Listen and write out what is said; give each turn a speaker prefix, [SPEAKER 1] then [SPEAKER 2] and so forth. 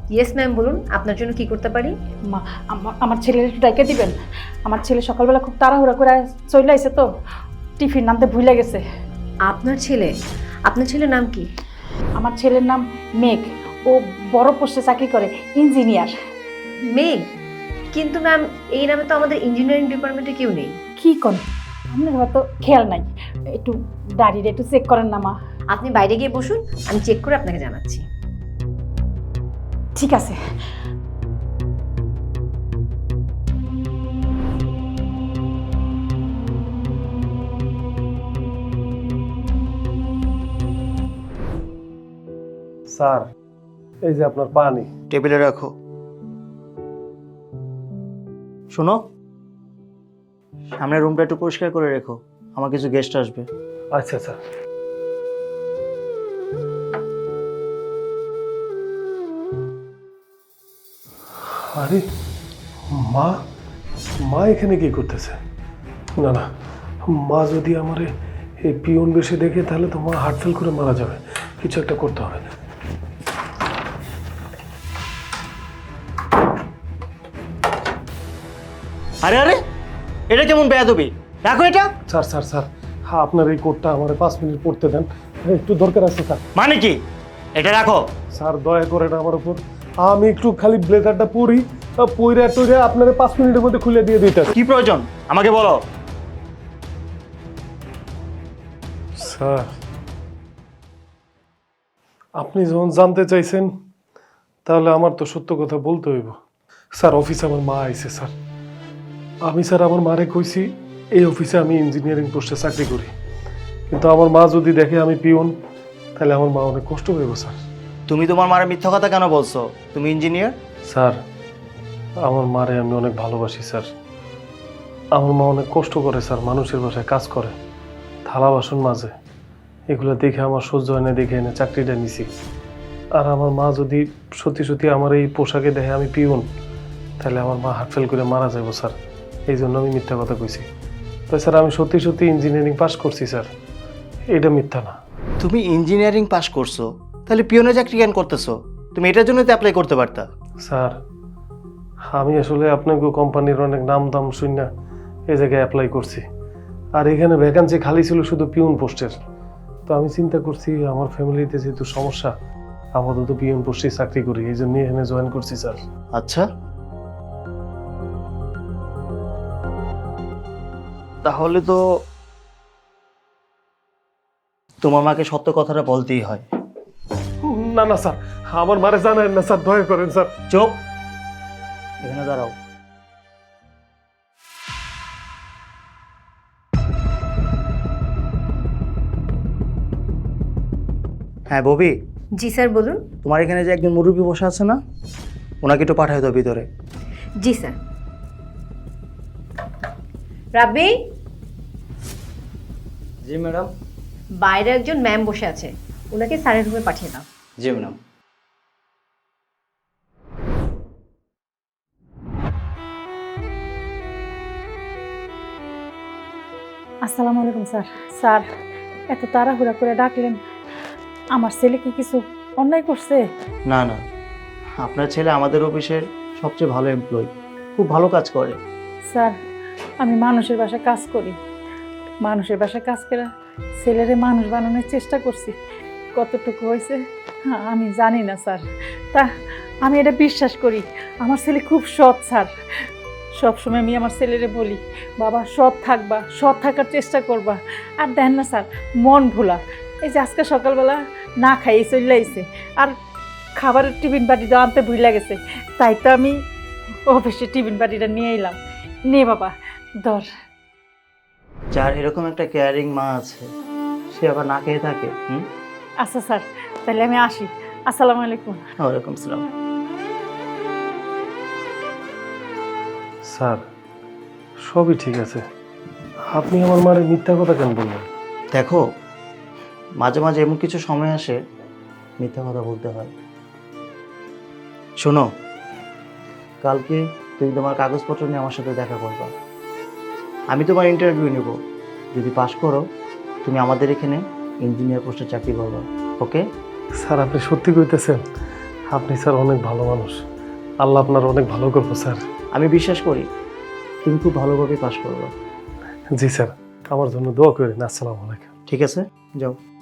[SPEAKER 1] Yes ma'am, বলুন আপনার জন্য কি করতে পারি?
[SPEAKER 2] মা, আমার ছেলের একটু ডাইকে দিবেন। আমার ছেলে সকালবেলা খুব তাড়াহুড়া করে চলে আইছে তো, টিফিন নামতে ভুলে গেছে।
[SPEAKER 1] আপনার ছেলে? আপনার ছেলের নাম কি?
[SPEAKER 2] আমার ছেলের নাম মেঘ। ও বড় পোস্টে চাকরি করে, ইঞ্জিনিয়ার।
[SPEAKER 1] মেঘ? কিন্তু ম্যাম, এই নামে তো আমাদের ইঞ্জিনিয়ারিং ডিপার্টমেন্টে কেউ নেই।
[SPEAKER 2] কি করেন, আপনার হয়তো খেয়াল নাই। একটু দাঁড়িয়ে একটু চেক করেন না মা।
[SPEAKER 1] আপনি বাইরে গিয়ে বসুন, আমি চেক করে আপনাকে জানাচ্ছি।
[SPEAKER 2] ঠিক আছে।
[SPEAKER 3] স্যার, এই যে আপনার পানি।
[SPEAKER 4] টেবিলে রাখো। শোনো, সামনের রুমটা একটু পরিষ্কার করে রেখো, আমার কিছু গেস্ট আসবে।
[SPEAKER 3] আচ্ছা স্যার। আরে মা, মা এখানে কি করতেছে? না না, মা যদি আমার এই পিয়ন বেশি দেখে তাহলে তো মা হার্ট ফেল করে মারা যাবে। কিছু একটা করতে হবে।
[SPEAKER 4] আরে আরে, এটা কেমন বেয়াদবি? রাখো এটা।
[SPEAKER 3] স্যার স্যার স্যার, হ্যাঁ আপনার এই কোটটা আমার 5 মিনিট পড়তে দেন, একটু দরকার আছে স্যার।
[SPEAKER 4] মানে কি? এটা রাখো।
[SPEAKER 3] স্যার দয়া করে না আমার উপর, আমি একটু খালি ব্লেজারটা পরি, পইরা টইরা আপনার 5 মিনিটের মধ্যে খুলে দিয়ে দিতে।
[SPEAKER 4] কি প্রয়োজন আমাকে বলো।
[SPEAKER 3] স্যার, আপনি যখন জানতে চাইছেন তাহলে আমার তো সত্য কথা বলতে হইব। স্যার, অফিসে আমার মা আইছে স্যার। আমি স্যার আমার মারে কইছি এই অফিসে আমি ইঞ্জিনিয়ারিং পোস্টে চাকরি করি, কিন্তু আমার মা যদি দেখে আমি পিওন তাহলে আমার মা অনেক কষ্ট পাইব স্যার।
[SPEAKER 4] তুমি তোমার মায়ের মিথ্যা কথা কেন বলছো? তুমি ইঞ্জিনিয়ার।
[SPEAKER 3] স্যার, আমার মারে আমি অনেক ভালোবাসি স্যার। আমার মা অনেক কষ্ট করে স্যার, মানুষের বাসায় কাজ করে, থালা বাসন মাজে, এগুলো দেখে আমার সহ্য হয় না, দেখে এনে চাকরিটা নিছি। আর আমার মা যদি সত্যি সত্যি আমার এই পোশাকে দেখে আমি পিওন তাহলে আমার মা হার্ট ফেল করে মারা যাবো স্যার। এই জন্য আমি মিথ্যা কথা কইছি। তো স্যার, আমি সত্যি সত্যি ইঞ্জিনিয়ারিং পাস করছি স্যার, এটা মিথ্যা না।
[SPEAKER 4] তুমি ইঞ্জিনিয়ারিং পাশ করছো, তাহলে পিওনের চাকরি কেন করতেছো? তুমি এটার জন্য তো অ্যাপ্লাই করতে পারতা।
[SPEAKER 3] স্যার, আমি আসলে আপনাকে কোম্পানির অনেক নাম দাম শুনে এই জায়গায় অ্যাপ্লাই করছি, আর এখানে ভ্যাকান্সি খালি ছিল শুধু পিওন পোস্টের। তো আমি চিন্তা করছি আমার ফ্যামিলিতে যেহেতু সমস্যা, আপাতত পিওন পোস্টে চাকরি করি, এই জন্য এখানে জয়েন করছি স্যার।
[SPEAKER 4] আচ্ছা, তাহলে তো তোমার মাকে সত্য কথাটা বলতেই হয়।
[SPEAKER 3] না না স্যার, আমার মারে জানায় না স্যার, দয়া করেন স্যার।
[SPEAKER 4] চুপ, এখানে দাঁড়াও। হ্যাঁ ববি।
[SPEAKER 1] জি স্যার, বলুন।
[SPEAKER 4] তোমার এখানে যে একজন মুরব্বী বসে আছে না, ওনাকে একটু পাঠায় দাও ভিতরে।
[SPEAKER 1] জি স্যার। রাব্বি,
[SPEAKER 5] জি ম্যাডাম।
[SPEAKER 1] বাইরে একজন ম্যাম বসে আছে, ওনাকে স্যারের রুমে পাঠিয়ে দাও।
[SPEAKER 5] জি ম্যাডাম।
[SPEAKER 2] আসসালামু আলাইকুম স্যার। স্যার, এত তাড়াহুড়া করে ডাকলেন, আমার ছেলে কি কিছু অন্যায় করছে?
[SPEAKER 4] না না, আপনার ছেলে আমাদের অফিসের সবচেয়ে ভালো এমপ্লয়ি, খুব ভালো কাজ করে।
[SPEAKER 2] স্যার, আমি মানুষের বাসায় কাজ করি, মানুষের বাসায় কাজ করে ছেলেরে মানুষ বানানোর চেষ্টা করছি। কতটুকু হয়েছে আমি জানি না স্যার, তা আমি এটা বিশ্বাস করি আমার ছেলে খুব সৎ স্যার। সবসময় আমি আমার ছেলেরে বলি, বাবা সৎ থাকবা, সৎ থাকার চেষ্টা করবা। আর দেন না স্যার, মন ভোলা, এই যে আজকে সকালবেলা না খাইয়ে চলে আইছে, আর খাবারের টিফিন বাটিটা আনতে ভুলে গেছে, তাই তো আমি অফিসে টিফিন বাটিটা নিয়ে এলাম। নে বাবা, ধর।
[SPEAKER 4] যার এরকম একটা কেয়ারিং মা আছে, সে আবার না খেয়ে থাকে?
[SPEAKER 2] আচ্ছা স্যার, তাহলে আমি আসি। আসসালামু আলাইকুম।
[SPEAKER 4] ওয়ালাইকুম সালাম।
[SPEAKER 3] স্যার, সবই ঠিক আছে, আপনি আমার মারে মিথ্যা কথা কেন বললেন?
[SPEAKER 4] দেখো, মাঝে মাঝে এমন কিছু সময় আসে মিথ্যা কথা বলতে হয়। শোনো, কালকে তুমি তোমার কাগজপত্র নিয়ে আমার সাথে দেখা করবা। আমি তোমার ইন্টারভিউ নেব, যদি পাস করো তুমি আমাদের এখানে ইঞ্জিনিয়ার পোস্টে চাকরি করবা। ওকে?
[SPEAKER 3] স্যার, আপনি সত্যি কইতেছেন? আপনি স্যার অনেক ভালো মানুষ, আল্লাহ আপনার অনেক ভালো করবো স্যার।
[SPEAKER 4] আমি বিশ্বাস করি তুমি খুব ভালোভাবে পাশ করবে।
[SPEAKER 3] জি স্যার, আমার জন্য দোয়া করেন। আসসালামু আলাইকুম।
[SPEAKER 4] ঠিক আছে, যাও।